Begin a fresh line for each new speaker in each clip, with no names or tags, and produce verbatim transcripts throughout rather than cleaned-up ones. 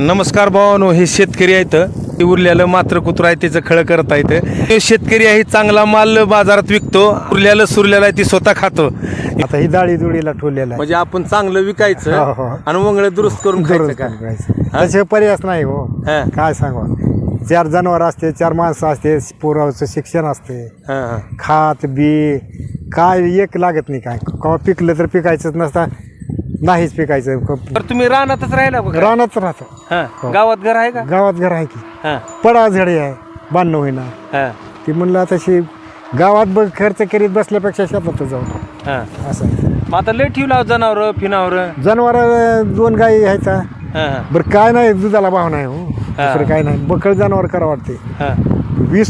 नमस्कार भावानो, हे शेतकरी आहेत. ते उरलेलं मात्र कुत्रा आहे त्याचं खळं करता येतं. हे शेतकरी आहे, चांगला माल बाजारात विकतो. उरलेलं सुरलेलं आहे ती स्वतः खातो.
आता ही डाळी दुडीला ठेवलेला आहे.
म्हणजे आपण चांगलं विकायचं
हो, हो.
आणि वंगळ दुरुस्त करून खायचं का?
त्याचे पर्यायच नाही हो.
हा.
काय सांगू, चार जनावर असते, चार माणसं असते, पोराचं शिक्षण असते,
हा, हा.
खात बी काय एक लागत नाही. काय कवा पिकलं तर पिकायचंच नसता, नाहीच पिकायचं.
तर तुम्ही रानातच राहिला का?
रानात राहतो.
हा. गावात घर आहे का?
गावात घर आहे की,
हा,
पडा झडे आहे, बांधणं होईना.
हा,
ती म्हणलं तशी गावात बघ खर्च करीत बसल्यापेक्षा शेतात जाऊ
हा.
असं आहे.
मग आता लय ठेवला जनावर फिनावर.
जनावर दोन गाई आहेत.
हा, हा,
बरं काय नाही, दुधाला भाव नाही हो, दुसरं काय नाही. बकळ जनावर करा वाटते.
हा.
वीस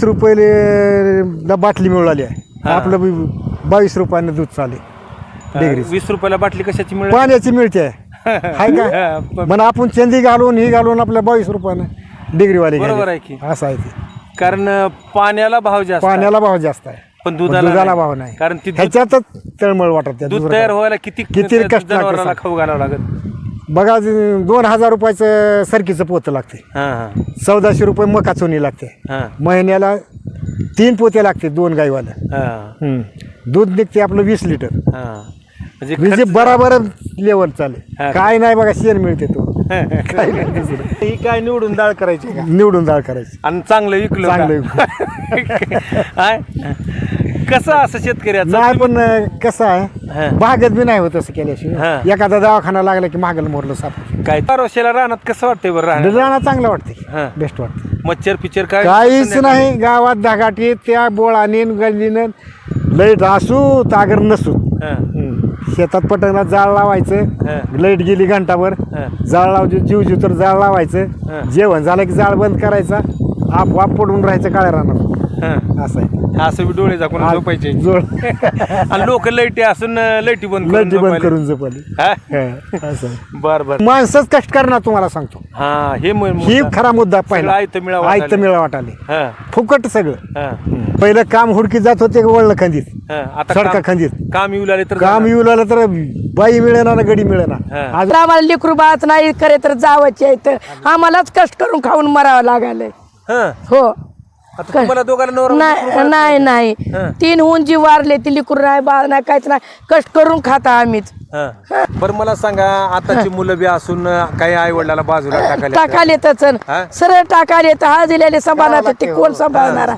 रुपये बाटली मिळाली आहे, आपलं बी बावीस रुपयाने दूध चाले. डिग्री
वीस रुपयाला बाटली कशाची मिळेल?
पाण्याची मिळते हाय का. पण आपण चंदी घालून ही घालून आपल्या बावीस रुपयानं डिग्रीवाली
बरोबर आहे की.
असं आहे ते.
कारण पाण्याला भाव जास्त आहे.
पाण्याला भाव जास्त आहे,
पण दुधाला
दुधाला
नाही.
भाव नाही.
कारण ती दूध-
ह्याच्यातच तळमळ वाटत.
दूध तयार व्हायला किती
किती कष्ट
जनावराला
लागते.
खाऊ घालावं लागत.
बघा, दोन हजार रुपयाचं सरकीचं पोतं लागते,
हा, हा,
चौदाशे रुपये मका चोनी लागते.
हा,
महिन्याला तीन पोते लागते दोन गाईवाला.
हा,
हम्म. दूध निघते आपलं वीस लिटर.
हा. म्हणजे
म्हणजे
खर्च-
बराबर लेवल चालेल.
हा.
काय नाही बघा, शेण मिळते तो.
काय नाही दुसरं. ही काय निवडून डाळ करायची का?
निवडून डाळ करायची,
आणि चांगलं विकलं का?
चांगलं.
हाय? कसं असं शेतकऱ्याचं?
नाही पण कसं
हा.
आहे, भागत बी नाही होत असं
हा.
केल्याशिवाय. एखादा दवाखाना लागला की मागल मोरलं साप.
काय पारोश्याला रानात कसं वाटतंय बरं राहणं?
राहणं चांगलं वाटते,
हा.
बेस्ट वाटते.
मच्छर पिक्चर काय?
काहीच नाही. गावात धागाटी त्या बोळाने गल्लीनं लाईट असू तागर नसू.
हा.
शेतात पटकनात जाळ लावायचं,
हा.
लाईट गेली घंटाभर,
हा.
जाळ लावायचं, जीव जीव तर जाळ
हा.
लावायचं. जेवण झालं की जाळ बंद करायचा, आपोआप पडून राहायचं काळ्या रानात.
हा.
असं आहे.
असं बी डोळे झाकून झोपायचे.
जोड
आणि लोक लाईटी असून लाईटी बंद
लाईट बंद
झोपायले.
करून झोपली.
हा?
हा, असं आहे.
बर बर.
माणसंच कष्ट करणार, तुम्हाला सांगतो.
हा, हे मुळ-
ही
मुद्दा.
खरा मुद्दा
सगळं
पहिला.
आयतं मिळावं
आयतं
वाटायले.
मिळा वाटाले,
हा,
फुकट सगळं.
हा,
पहिलं काम हुडकी जात होते वळलं खंदीत,
हा. आता
सडका
काम-
खंदीत.
काम येऊ लागले तर
काम येऊ लागलं तर बाई मिळेना ना गडी मिळेना.
हा.
आज
आम्हाला लेकरू बाळच नाही करे तर जावंच येतं. आम्हालाच कष्ट करून खाऊन मरावं लागायलंय.
हा.
हो.
आता तुम्हाला दोघांना नवरा
नाही नाही नाही
हा.
तीन हुन जी वारले ती लेकरू नाही बाळ नाही काहीच नाही, कष्ट करून खाता आम्हीच.
हा. बरं मला सांगा, आताची मुलं बी असून काही आई वडिलाला बाजूला टाकायला
टाकायला येतच,
हा?
सरळ टाकायला येतं. हा दिलेले सांभाळणार ते कोण सांभाळणार?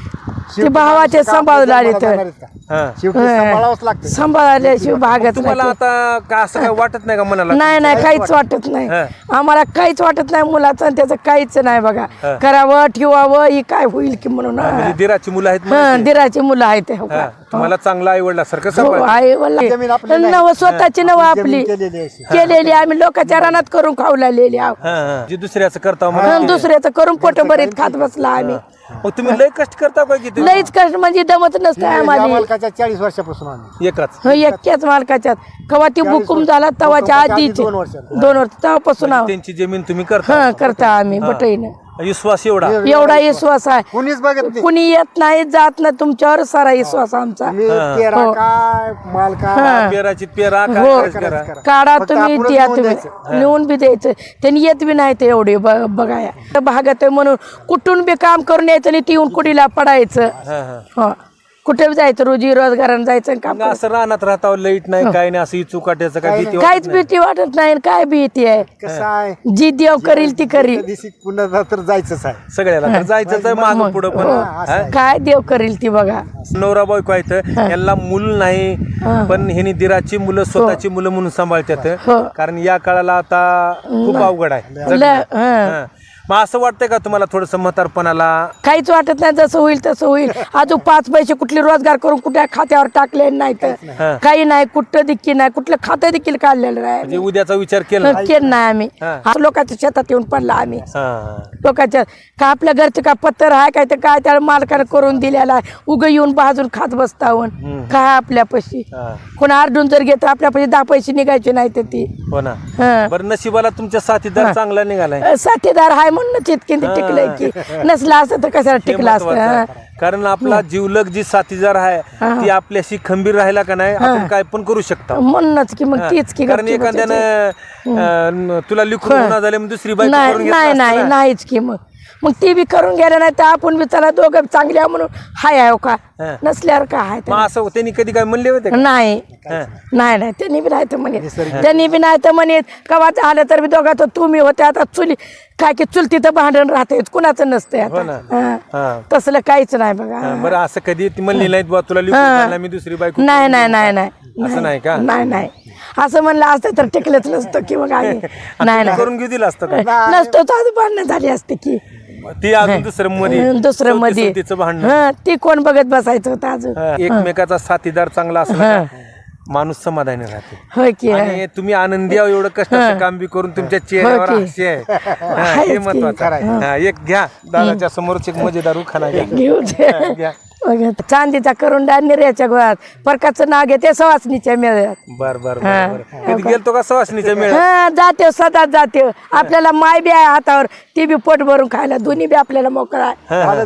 ते भावाचे सांभाळून आले तर
हा.
शेवटी सांभाळावंच लागतं.
सांभाळल्याशिवाय भागत
तुम्हाला
नाही.
आता का असं काय वाटत नाही का मनाला?
नाही नाही काहीच वाटत नाही.
हा.
आम्हाला काहीच वाटत नाही मुलाचं आणि त्याचं काहीच नाही बघा.
हा.
करावं ठेवावं ही काय होईल की म्हणून.
म्हणजे दिराची मुलं आहेत
हा,
म्हणायचे.
दिराची मुलं आहेत हो
हा.
का?
तुम्हाला चांगला आई वडिलासारखं
हो,
सांभाळ.
आहे वल्ला.
जमीन आपली नाही.
नव स्वतःची नव आपली
जमीन केलेली अशी.
केलेली आम्ही लोकांच्या रानात करून खावलेली आहोत.
हा, हा. जे दुसऱ्याचं करता
आणि
म्हणून
दुसऱ्याचं करून पोट भरीत खात बसला आम्ही.
मग तुम्ही लय कष्ट करता का किती?
लईच कष्ट म्हणजे दमत नसतं
या
आम्हाला.
मालकाच्या चाळीस वर्षापासून आम्ही
एकाच.
हो, एकट्याच मालकाच्यात कवा ती बुकुम झाला तवाच्या
भूकंपाच्या आधी
आधीच
दोन वर्षांनी.
दोन वर्ष तेव्हापासून आहोत.
त्यांची जमीन तुम्ही करता.
हा करता आम्ही बटईनं.
विश्वास एवढा.
एवढा विश्वास आहे.
कुणीच बघत नाही.
कुणी येत नाही जात नाही तुमच्यावर सारा विश्वास आमचा.
तुम्ही पेरा
हो.
काय माल काय
पेराची पेरा काय
हो.
करायचं करा.
काढा
फक्त
तुम्ही
आपणच
द्या
नेऊन
तुम्ही
द्यायचं.
नेऊन बी द्यायचं. त्यांनी येत बी नाही ते एवढे ब- बघाया भागत आहे म्हणून कुठून बी काम करून यायचं आणि ती कुडीला पडायचं.
हा, हा.
हो कुठे बी जायचं रोजी रोजगारानं जायचं आणि काम
मग असं रानात राहता लाईट नाही काय नाही असं इचू काट्याचं काय भीती वाटत
काहीच भीती वाटत नाही आणि काय भीती आहे.
कसं आहे,
जी देव करील ती करील.
त्या दिवशी पुन्हा तर जायचंच आहे.
सगळ्याला तर जायचंच आहे माग पुढं पण. हा?
काय देव करील ती बघा.
नवरा बायको आहेत यांना मूल नाही, पण ह्यांनी दिराची मुलं स्वतःची मुलं म्हणून सांभाळतात.
हो.
कारण या काळाला आता खूप अवघड आहे.
ल- हं.
हा. मग असं वाटतंय का तुम्हाला थोडस म्हातारपणाला?
काहीच वाटत नाही. जसं होईल तसं होईल. अजून पाच पैसे कुठले रोजगार करून कुठल्या खात्यावर टाकले नाही तर काही नाही. कुठं देखील नाही. कुठलं खातं देखील काढलेलं नाही.
म्हणजे उद्याचा विचार केला?
केलं नाही आम्ही.
हा.
आज लोकांच्या शेतात येऊन पडला आम्ही.
हा.
लोकांच्या का आपल्या घरचे का पत्तर आहे काय तर काय त्या मालकानं करून दिलेला आहे. उग येऊन बाजून खात बसतावन काय आपल्या पैसे
हा.
कोण आरडून जर घेत आपल्या पैसे दहा पैसे निघायचे नाही तर ती.
हो ना.
हं.
बरं नशिबाला तुमच्या साथीदार चांगला निघालाय.
साथीदार आहे म्हणून इतके टिकलंय की नसला असतं तर कशाला टिकला असतं.
महत्वाचं
हं.
आहे. कारण आपला जीवलग जी साथीदार आहे ती आपल्याशी खंबीर राहिला का नाही आपण काय पण करू शकतो.
म्हणूनच की मग तीच की
कारण एखाद्यानं अं, तुला लिखून गुन्हा झाले मग दुसरी बायको
नाही
करून घेतला
नाही
असता
नाही
ना.
नाहीच की मग मग ती बी करून गेल्या नाही तर आपण बी चला दोघं चांगले आहे म्हणून हाय आहे का नसल्यावर काय आहे
मग असं त्यांनी कधी काय म्हणले होते का?
नाही
हा.
नाही नाही त्यांनी बी नाही तर म्हणत त्यांनी बी नाही तर म्हणत कवाच आलं तर बी दोघा तर तुम्ही होते आता चुली काय की चुलती तर भांडण राहते कुणाचं नसतंय
हो ना.
आता हा.
हा.
तसलं काहीच नाही बघा
हा, बरं असं कधी ती म्हणली नाहीत बुवा तुला लिखून घालणार मी दुसरी बायको
नाही नाही नाही नाही
असं नाही का?
नाही नाही असं म्हणलं असतं तर टिकलंच नसतं की मग आम्ही नाही नाही
करून घेऊ दिलं असतं का?
नसतो तर आज भांडणं झाली असते की
ती अजून दुसरं मध्ये
दुसरं मध्ये
तिचं भांडण
हा ती कोण बघत बसायचं होतं अजून
हा, एकमेकाचा साथीदार चांगला असला का माणूस समाधानी राहते.
होय की
आणि तुम्ही आनंदी आहो एवढं कष्टाचं काम बी करून तुमच्या चेहऱ्यावर
की.
हास्य आहे हा, हे महत्वाचं आहे. हा, एक घ्या दादाच्या समोरच एक मजेदार उखाणा घ्या
घेऊ दे.
घ्या.
बघा, चांदीचा करून निर्याच्या गोळ्यात परकाचं नाव घेते सवासणीच्या मेळ्यात
बर बर बर बर. कधी गेलतो का सवासणीच्या मेळ्यात?
हा जाते सदा जाते आपल्याला माय बी आहे हातावर ती बी पोट भरून खायला दोन्ही बी आपल्याला मोकळा आहे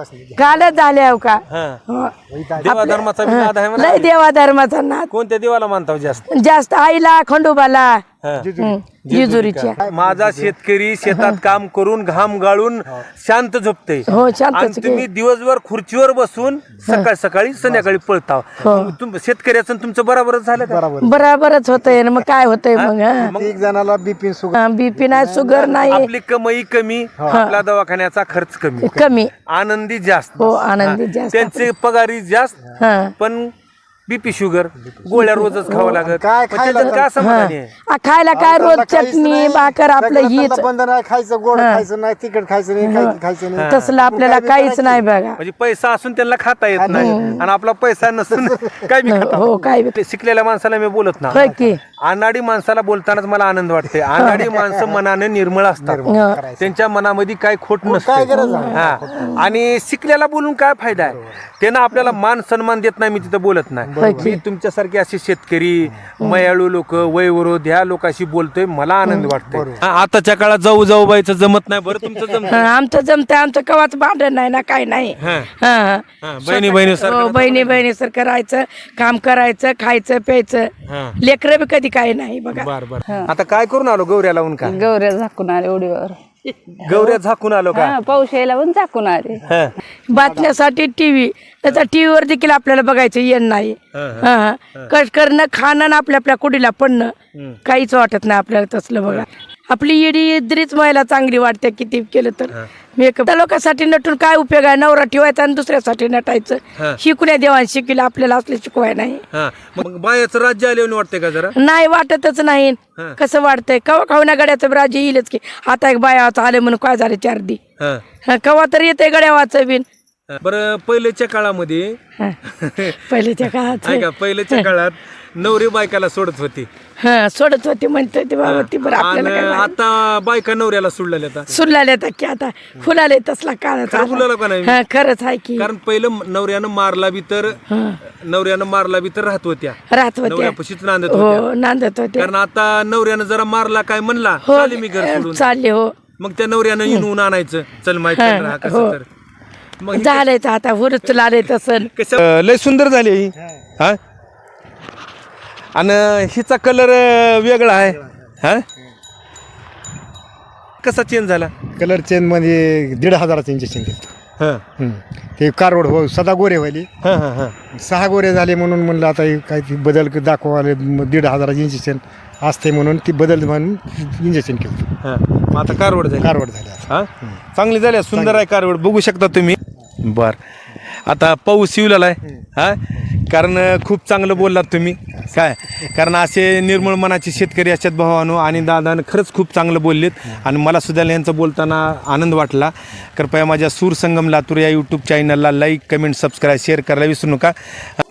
कालच झाले हो का
हा.
हो.
देवा धर्माचा बी नाद आहे म्हणा.
लय देवा धर्माचा नाद
कोणत्या देवाला मानताव जास्त?
जास्त आईला खंडोबाला
हा.
हं, जेजुरीच्या
माझा शेतकरी शेतात काम करून घाम गाळून शांत झोपते
हो शांतच
आणि तुम्ही दिवसभर खुर्चीवर बसून सकाळ सकाळी संध्याकाळी पळताव. तुम- शेतकऱ्याचं आणि तुमचं बरोबरच झालं का?
बराबरच होतंय ना मग काय होतंय मग हा?
एक जणाला बीपी सुगर
बीपी नाही शुगर नाही
आपली कमाई कमी आपला दवाखान्याचा खर्च कमी
कमी
आनंदी जास्त
हो आनंदी जास्त
त्यांचे पगारी जास्त
हा
पण बीपी शुगर गोळ्या रोजच खावं लागत
काय
मग
खायला
त्याच्यात काय समाधानी आहे?
आ, खायला काय रोज चटणी भाकर आपलं हीच
बंद नाही खायचं गोड खायचं नाही तिखट खायचं नाही काही खायचं नाही
तसलं आपल्याला काहीच नाही बघा
म्हणजे पैसा असून त्यांना खाता येत नाही आणि आपला पैसा नसून काय बी खाता.
हो काय बी.
ते शिकलेल्या माणसाला मी बोलत ना
होय की
अनाडी माणसाला बोलतानाच मला आनंद वाटते. अनाडी माणसं मनाने निर्मळ असतात
हं.
त्यांच्या मनामध्ये काय खोट नसतं हा आणि शिकल्याला बोलून काय फायदा आहे? त्यांना आपल्याला मान सन्मान देत नाही मी तिथं बोलत नाही. मी तुमच्यासारखे असे शेतकरी मयाळू लोक वयवरोध ह्या लोकांशी बोलतोय मला आनंद वाटतोय. हा, आताच्या काळात जाऊ जाऊ बाईचं जमत नाही. बरं तुमचं जमत
हं, आमचं जमतंय आमचं कवाच भांडण नाही ना काय नाही
हा.
हं.
हा, बहिणी बहिणी
हो, बहिणी बहिणी सर करायचं काम करायचं खायचं
हा.
प्यायचं लेकरं बी कधी काय नाही बघा
बर बर आता काय करून आलो गौऱ्या लावून का?
गौऱ्या झाकून आले उडीवर
गौऱ्या झाकून आलो का?
हा, पाऊस यायला पण झाकून आले
हा.
बातम्यासाठी टीव्ही त्याचा टीव्हीवर देखील आपल्याला बघायचं येण नाही हं. कष्ट करणं खाणं आणि आपल्या आपल्या कुडीला पडणं काहीच वाटत नाही आपल्याला तसलं बघा. आपली येडी इद्रीच महिला चांगली वाटते किती केलं तर मेकअप त्या लोकांसाठी नटून काय उपयोग आहे? नवरा ठेवायचा आणि दुसऱ्यासाठी नटायचं शिकून देवान शिकले आपल्याला असले शिकवाय नाही
हा. मग बायाचं राज्य आले वाटते का जरा?
नाही वाटतच नाही कसं वाटतंय कवा खावण्या गड्याचं राज्य येईलच की आता एक बायाचं आले म्हणून काय झालं चार दी
हा.
हं, कवा तर येते गड्यावाचं बिन
बरं पहिल्याच्या काळामध्ये
हं. पहिल्याच्या काळात
आहे का पहिल्याच्या काळात नवरी बायकाला सोडत होती
हा सोडत होती म्हणते ते बाबा ती बरं
आणि
आपल्याला काय माहित.
आता बायका नवऱ्याला सोडलेल्या आता
सुरलाले आता की आता फुलाले तसला काळाचा
खरं बोलायला का नाही?
हा खरंच आहे की
कारण पहिलं नवऱ्यानं मारला बी तर नवऱ्यानं मारला बी तर राहत होत्या
राहत होत्या
नवऱ्यापाशीच नांदत होत्या.
हो नांदत होते
कारण आता नवऱ्यानं जरा मारला काय म्हणला
हो
चाले मी घर सोडून
चालले हो
मग त्या नवऱ्यानं येऊन आणायचं चल माहिती राहा
हो.
कसं तर मग हे
झालंय तर आता हुरच लाले तसं
कसं लय सुंदर झाली ही हा आणि हिचा कलर वेगळा आहे हा कसा चेंज झाला?
कलर चेंज मध्ये दीड हजाराचं इंजेक्शन दिलं
हा
हम्म. ते कारवड हो सदा गोरे व्हायले
हा हा हा
सहा गोरे झाले म्हणून म्हणलं आता हे काय ते बदल दाखवाले मग दीड हजाराचं इंजेक्शन असते म्हणून ती बदल म्हणून इंजेक्शन केलं
हा. मग आता कारवड झाली
कारवड झाले आता.
हा चांगली झाली सुंदर आहे कारवड बघू शकता तुम्ही. बर आता पाऊस येऊ लागलाय हा कारण खूप चांगलं बोललात तुम्ही काय कारण असे निर्मळ मनाचे शेतकरी असतात भावानो आणि दादानं खरंच खूप चांगलं बोललेत आणि मला सुद्धा यांचं बोलताना आनंद वाटला. कृपया माझ्या सूर संगम लातूर या यूट्यूब चॅनलला लाईक कमेंट सबस्क्राईब शेअर करायला विसरू नका.